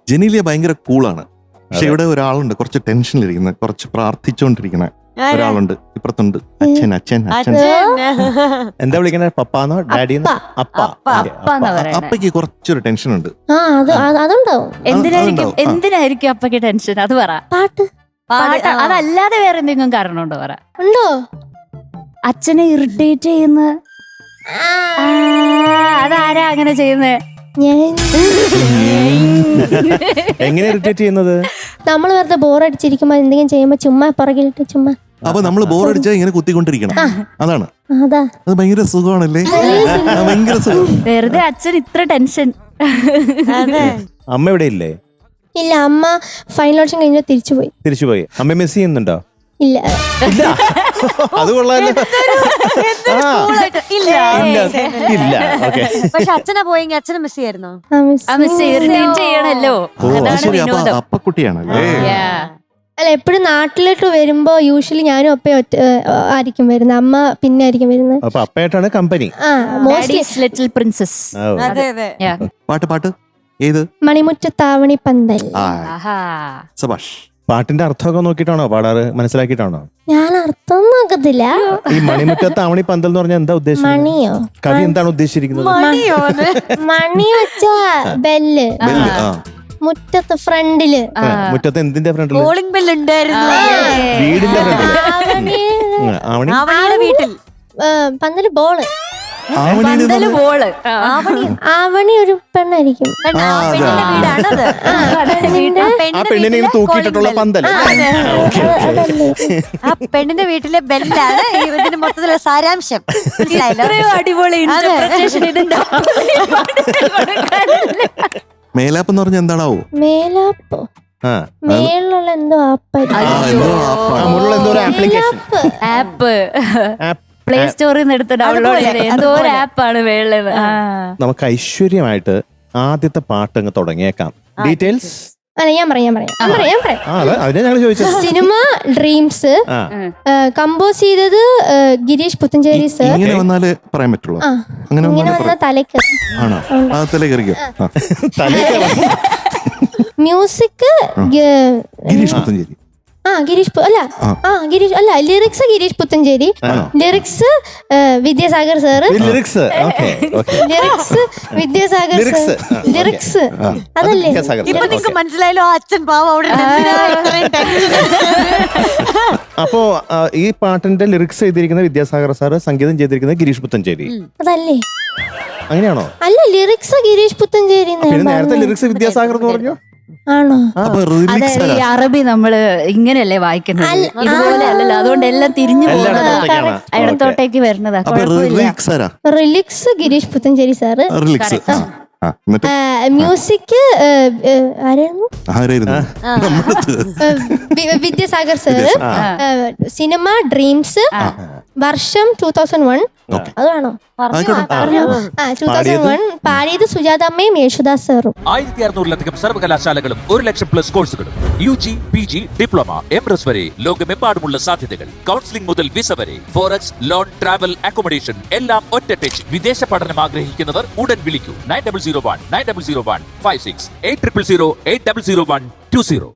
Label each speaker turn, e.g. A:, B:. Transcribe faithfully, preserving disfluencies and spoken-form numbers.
A: ജനീലിയ ഭയങ്കര കൂളാണ്. പക്ഷെ ഇവിടെ ഒരാളുണ്ട് കുറച്ച് ടെൻഷനിലിരിക്കുന്ന, കുറച്ച് പ്രാർത്ഥിച്ചോണ്ടിരിക്കുന്ന ഒരാളുണ്ട് ഇപ്പുറത്തുണ്ട്. അച്ഛൻ അച്ഛൻ അച്ഛൻ
B: എന്താ വിളിക്കണേ? പപ്പാന്നോ ഡാഡിന്നോ? അപ്പ.
A: അപ്പയ്ക്ക് കുറച്ചൊരു ടെൻഷൻ ഉണ്ട്.
C: അതുണ്ടാവും.
D: എന്തിനായിരിക്കും എന്തിനായിരിക്കും അപ്പക്ക് ടെൻഷൻ? അത് പറ.
C: പാട്ട്
D: പാട്ട് അതല്ലാതെ വേറെ എന്തെങ്കിലും കാരണം ഉണ്ടോ? പറ.
C: ഉണ്ടോ?
D: അച്ഛനെ ഇറിറ്റേറ്റ് ചെയ്യുന്ന അതാരാ അങ്ങനെ ചെയ്യുന്നത്?
B: എങ്ങനെ ഇറിറ്റേറ്റ് ചെയ്യുന്നത്?
C: നമ്മൾ വെറുതെ ബോറടിച്ചിരിക്കുമ്പോ എന്തെങ്കിലും ചെയ്യുമ്പോ ചുമ്മാ പുറകിലിട്ട് ചുമ്മാ.
A: അപ്പൊ നമ്മള് ബോറടിച്ചാൽ ഇങ്ങനെ കുത്തിക്കൊണ്ടിരിക്കണം. അതാണ്.
C: അതാ
A: അത് ഭയങ്കര സുഖമാണല്ലേ? ഭയങ്കര സുഖം.
D: വെറുതെ അച്ഛൻ ഇത്ര ടെൻഷൻ.
B: അമ്മ ഇവിടെ ഇല്ലേ?
C: ഇല്ല, അമ്മ ഫൈനൽ ഓപ്ഷൻ കഴിഞ്ഞാൽ തിരിച്ചുപോയി.
B: തിരിച്ചുപോയി. അമ്മ മിസ് ചെയ്യുന്നുണ്ടോ?
C: ഇല്ല.
B: അത് കൊള്ളാലോ.
E: പക്ഷെ അച്ഛനെ പോയെങ്കിൽ അച്ഛനെ മിസ് ചെയ്യായിരുന്നോ?
D: ചെയ്യണല്ലോ.
A: അപ്പക്കുട്ടിയാണല്ലേ?
C: അല്ല, എപ്പോഴും നാട്ടിലോട്ട് വരുമ്പോ യൂഷ്വലി ഞാനും അപ്പയും ഒറ്റ ആയിരിക്കും വരുന്നത്, അമ്മ പിന്നെ ആയിരിക്കും വരുന്നത്.
B: അപ്പൊ അപ്പയായിട്ടാണ് കമ്പനി.
D: Little princess.
A: പാട്ട് പാട്ട് ഏത്?
C: മണിമുറ്റത്താവണി പന്തൽ.
A: സബാഷ്.
B: പാട്ടിന്റെ അർത്ഥമൊക്കെ നോക്കിട്ടാണോ പാടാറ്? മനസ്സിലാക്കിട്ടാണോ?
C: ഞാൻ അർത്ഥം നോക്കത്തില്ല.
B: ഈ മണിമുറ്റത്താവണി പന്തൽ എന്ന് പറഞ്ഞാൽ എന്താ ഉദ്ദേശിച്ചത്?
C: മണിയോ?
B: കവി എന്താണ് ഉദ്ദേശിച്ചിരിക്കുന്നത്?
C: മണി വെച്ച ബെല്ല് മുറ്റത്ത് ഫ്രണ്ടില്.
B: മുറ്റത്ത് എന്തിന്റെ ഫ്രണ്ടില്?
E: കോളിംഗ് ബെൽ ഉണ്ടായിരുന്നു
B: വീടിന്റെ ഫ്രണ്ടില്.
E: ആവണിയുടെ വീട്ടിൽ
C: പന്തല് ബോള്. ആവണി ഒരു പെണ്ണായിരിക്കും.
B: ആ പെണ്ണിനെ തൂക്കിയിട്ടുള്ള പന്തൽ.
E: ആ പെണ്ണിന്റെ വീട്ടിലെ ബെല്ലാണ് ഇതിന് മൊത്തത്തിലുള്ള സാരാംശം.
D: അടിപൊളി.
A: മേലാപ്പ് എന്ന് പറഞ്ഞാൽ എന്താണാവോ?
C: മേലാപ്പോ? മേലുള്ള എന്തോ
D: ആപ്പ് പ്ലേ സ്റ്റോറിൽ നിന്ന് എടുത്ത് ഡൗൺലോഡ് ചെയ്ത് എന്തോ ഒരു ആപ്പാണ് വേളത്.
B: നമുക്ക് ഐശ്വര്യമായിട്ട് ആദ്യത്തെ പാട്ട് അങ്ങ് തുടങ്ങിയേക്കാം. ഡീറ്റെയിൽസ്
C: അല്ല, ഞാൻ പറയാം പറയാം പറയാം പറയാം
B: അതിനെ ഞങ്ങൾ ചോദിച്ചത്.
C: സിനിമ ഡ്രീംസ്, കമ്പോസ് ചെയ്തത് ഗിരീഷ് പുത്തഞ്ചേരി സർ.
A: ഇങ്ങനെ വന്നാലേ പറയാൻ പറ്റുള്ളൂ.
C: ഇങ്ങനെ വന്ന തലക്ക്
A: ആണോ? തലക്കറിക്കോ?
C: മ്യൂസിക്
A: ഗിരീഷ് പുത്തഞ്ചേരി.
C: ആ ഗിരീഷ് അല്ല ആ ഗിരീഷ് അല്ല lyrics Girish Puthenchery, lyrics Vidyasagar sir.
B: Lyrics
C: lyrics Vidyasagar sir. Lyrics അതല്ലേ?
E: ഇപ്പൊ നിങ്ങക്ക് മനസ്സിലായല്ലോ അച്ഛൻ പാവം അവിടെ.
B: അപ്പോ ഈ പാട്ടിന്റെ ലിറിക്സ് ചെയ്തിരിക്കുന്ന വിദ്യാസാഗർ സാറ്, സംഗീതം ചെയ്തിരിക്കുന്നത് ഗിരീഷ് പുത്തഞ്ചേരി.
C: അതല്ലേ?
B: അങ്ങനെയാണോ?
C: അല്ല, ലിറിക്സ് ഗിരീഷ് പുത്തഞ്ചേരി.
B: നേരത്തെ ലിറിക്സ് വിദ്യാസാഗർ എന്ന് പറഞ്ഞു.
C: ആണോ?
D: അതായത് ഈ അറബി നമ്മള് ഇങ്ങനെയല്ലേ വായിക്കുന്നത്, ഇതുപോലെ അല്ലല്ലോ. അതുകൊണ്ട് എല്ലാം തിരിഞ്ഞു പോകുന്നതാ, ഇടത്തോട്ടേക്ക് വരുന്നതാ.
C: Lyrics Girish Puthenchery sir. Music ആരായിരുന്നു? വിദ്യാസാഗർ സാറ്. Cinema Dreams. വർഷം ടൂ തൗസൻഡ് വൺ. അത് വേണോ? Two thousand one. പാടിയത് സുജാതമ്മയും യേശുദാസ് സാറും.
F: ആയിരത്തി അറുന്നൂറിലധികം സർവകലാശാലകളും ഒരു ലക്ഷം പ്ലസ് കോഴ്സുകളും U G, P G, diploma, M S വരെ ലോകമെമ്പാടുമുള്ള സാധ്യതകൾ. കൗൺസിലിംഗ് മുതൽ വിസ വരെ, ഫോറക്സ്, ലോൺ, ട്രാവൽ, അക്കോമഡേഷൻ എല്ലാം ഒറ്റ ടച്ച്. വിദേശ പഠനം ആഗ്രഹിക്കുന്നവർ ഉടൻ വിളിക്കൂ. Nine double zero one nine double zero one five six eight triple zero eight double zero one two zero.